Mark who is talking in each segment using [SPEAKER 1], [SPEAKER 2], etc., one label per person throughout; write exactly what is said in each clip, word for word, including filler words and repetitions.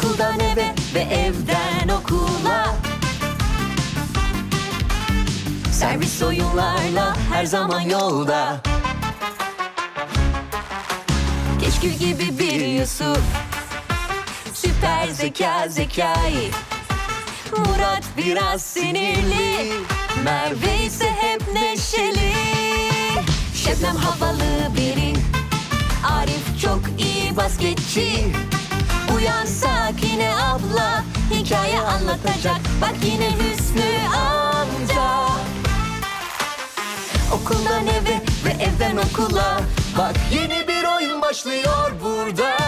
[SPEAKER 1] Okuldan eve ve evden okula. Servis oyunlarla her zaman yolda. Keşkül gibi bir Yusuf, süper zeka Zekai. Murat biraz sinirli, Merve ise hep neşeli. Şebnem havalı biri, Arif çok iyi basketçi. Uyan Sakine abla, hikaye anlatacak. Bak yine Hüsnü amca. Okuldan eve ve evden okula. Bak yeni bir oyun başlıyor burada.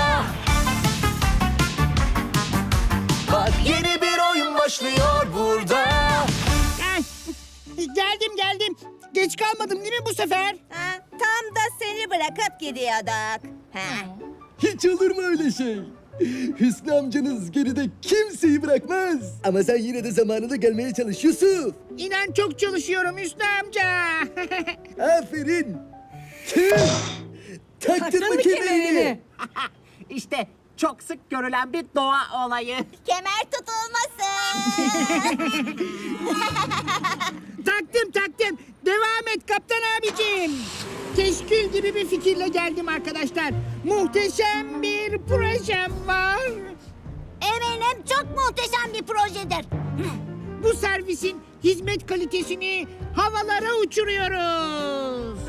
[SPEAKER 1] Bak yeni bir oyun başlıyor burada.
[SPEAKER 2] Ay, geldim geldim. Geç kalmadım değil mi bu sefer?
[SPEAKER 3] Ha, tam da seni bırakıp gidiyorduk. Ha.
[SPEAKER 4] Hiç olur mu öyle şey? Hüsnü amcanız geride kimseyi bırakmaz. Ama sen yine de zamanında gelmeye çalış Yusuf.
[SPEAKER 2] İnan çok çalışıyorum Hüsnü amca.
[SPEAKER 4] Aferin. Tüh! Taktın mı kemerini?
[SPEAKER 5] İşte çok sık görülen bir doğa olayı.
[SPEAKER 3] Kemer tutulmasın.
[SPEAKER 2] Taktım taktım. Devam et kaptan abicim. Teşkil gibi bir fikirle geldim arkadaşlar. Muhteşem bir projem var.
[SPEAKER 3] Eminim çok muhteşem bir projedir.
[SPEAKER 2] Bu servisin hizmet kalitesini havalara uçuruyoruz.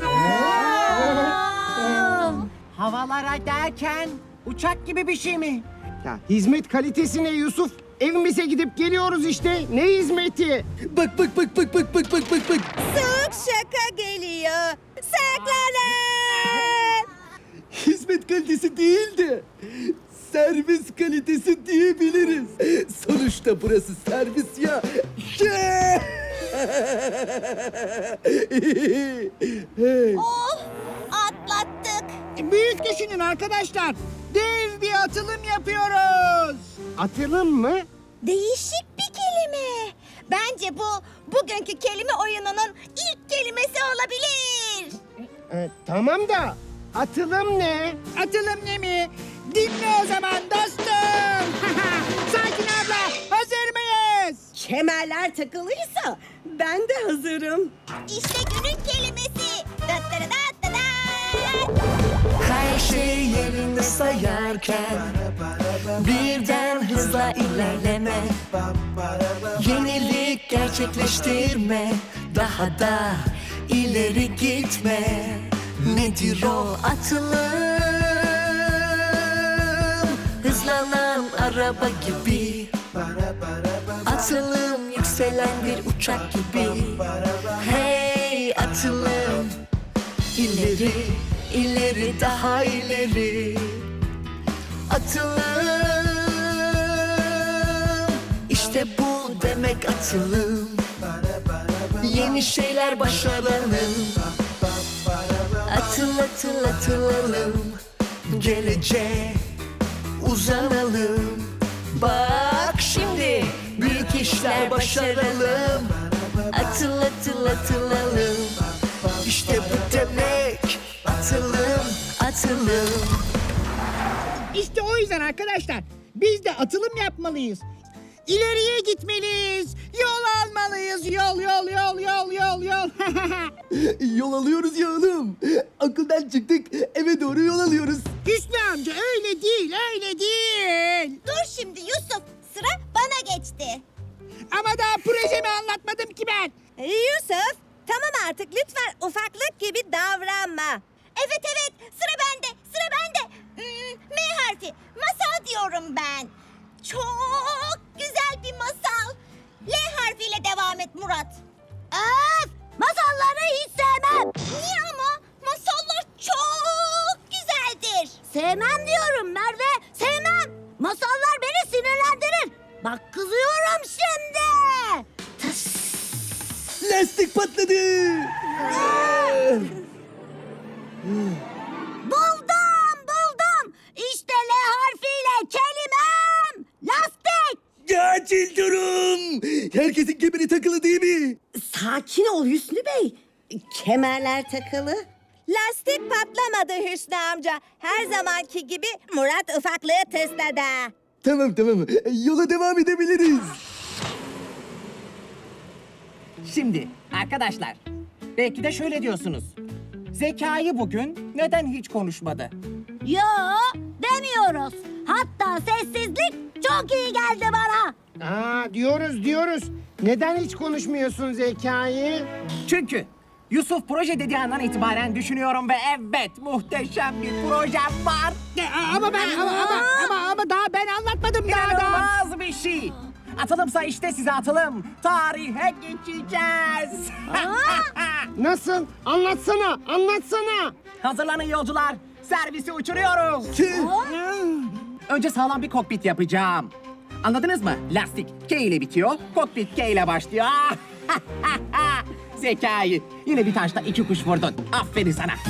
[SPEAKER 5] Havalara derken uçak gibi bir şey mi?
[SPEAKER 6] Ya hizmet kalitesi ne Yusuf? Evimize gidip geliyoruz işte. Ne hizmeti?
[SPEAKER 4] Bak bak bak bak bak bak bak bak bak.
[SPEAKER 3] Soğuk şaka geliyor. Saklanın.
[SPEAKER 4] Hizmet kalitesi değil de servis kalitesi diyebiliriz. Sonuçta burası servis ya. Hey.
[SPEAKER 3] Oh, atlattık.
[SPEAKER 2] Büyük düşünün arkadaşlar. Dev bir atılım yapıyoruz.
[SPEAKER 6] Atılım mı?
[SPEAKER 3] Değişik bir kelime. Bence bu bugünkü kelime oyununun ilk kelimesi olabilir.
[SPEAKER 6] Ee, tamam da atılım ne?
[SPEAKER 2] Atılım ne mi? Dinle o zaman dostum. Sakin abla, hazır mıyız?
[SPEAKER 7] Kemerler takılıysa ben de hazırım.
[SPEAKER 3] İşte günün kelimesi. Dat dat dat dat dat.
[SPEAKER 1] Her şey yerinde sayarken birden hızla ilerleme. Yenilik gerçekleştirme, daha da ileri gitme. Nedir o atılım? Hızlanan araba gibi. Atılım yükselen bir uçak gibi. Hey atılım, ileri, ileri daha ileri. Atılım, işte bu demek atılım. Yeni şeyler başaralım. Atıl atıl atılalım. Geleceğe uzanalım. Bak şimdi büyük işler başaralım. Atıl atıl atılalım. İşte bu demek atılım, atılım.
[SPEAKER 2] İşte o yüzden arkadaşlar biz de atılım yapmalıyız. İleriye gitmeliyiz. Yol almalıyız. Yol yol yol yol yol yol.
[SPEAKER 4] Yol alıyoruz ya oğlum. Okuldan çıktık eve doğru yol alıyoruz.
[SPEAKER 2] Hüsnü amca öyle değil öyle değil.
[SPEAKER 3] Dur şimdi Yusuf. Sıra bana geçti.
[SPEAKER 2] Ama daha projemi anlatmadım ki ben.
[SPEAKER 3] Yusuf, tamam artık lütfen ufaklık gibi davranma. Evet evet, sıra bende, sıra bende. Hmm, M harfi, masal diyorum ben. Çok güzel bir masal. L harfiyle devam et Murat. Öf, masalları hiç sevmem. Niye ama? Masallar çok güzeldir. Sevmem diyorum Merve, sevmem. Masallar beni sinirlendirir. Bak kızıyorum şimdi.
[SPEAKER 4] Lastik patladı.
[SPEAKER 3] Buldum, buldum. İşte L harfiyle kelimem. Lastik.
[SPEAKER 4] Acil durum. Herkesin kemeri takılı değil mi?
[SPEAKER 7] Sakin ol Hüsnü Bey. Kemerler takılı.
[SPEAKER 3] Lastik patlamadı Hüsnü amca. Her zamanki gibi Murat ufaklığı tısladı.
[SPEAKER 4] Tamam tamam. Yola devam edebiliriz.
[SPEAKER 5] Şimdi arkadaşlar, belki de şöyle diyorsunuz. Zekai bugün neden hiç konuşmadı?
[SPEAKER 3] Yo, demiyoruz. Hatta sessizlik çok iyi geldi bana.
[SPEAKER 6] Aa, diyoruz diyoruz. Neden hiç konuşmuyorsun Zekai?
[SPEAKER 5] Çünkü Yusuf proje dediği andan itibaren düşünüyorum ve evet, muhteşem bir projem var.
[SPEAKER 2] E, Ama ben ama ama ama, ama daha ben anlatmadım daha da.
[SPEAKER 5] İnanılmaz bir şey. Atılımsa işte size atılım. Tarihe geçeceğiz.
[SPEAKER 6] Nasıl? Anlatsana, anlatsana.
[SPEAKER 5] Hazırlanın yolcular. Servisi uçuruyoruz.
[SPEAKER 4] Tüh.
[SPEAKER 5] Önce sağlam bir kokpit yapacağım. Anladınız mı? Lastik K ile bitiyor, kokpit K ile başlıyor. Zekai. Yine bir taşla iki kuş vurdun. Aferin sana.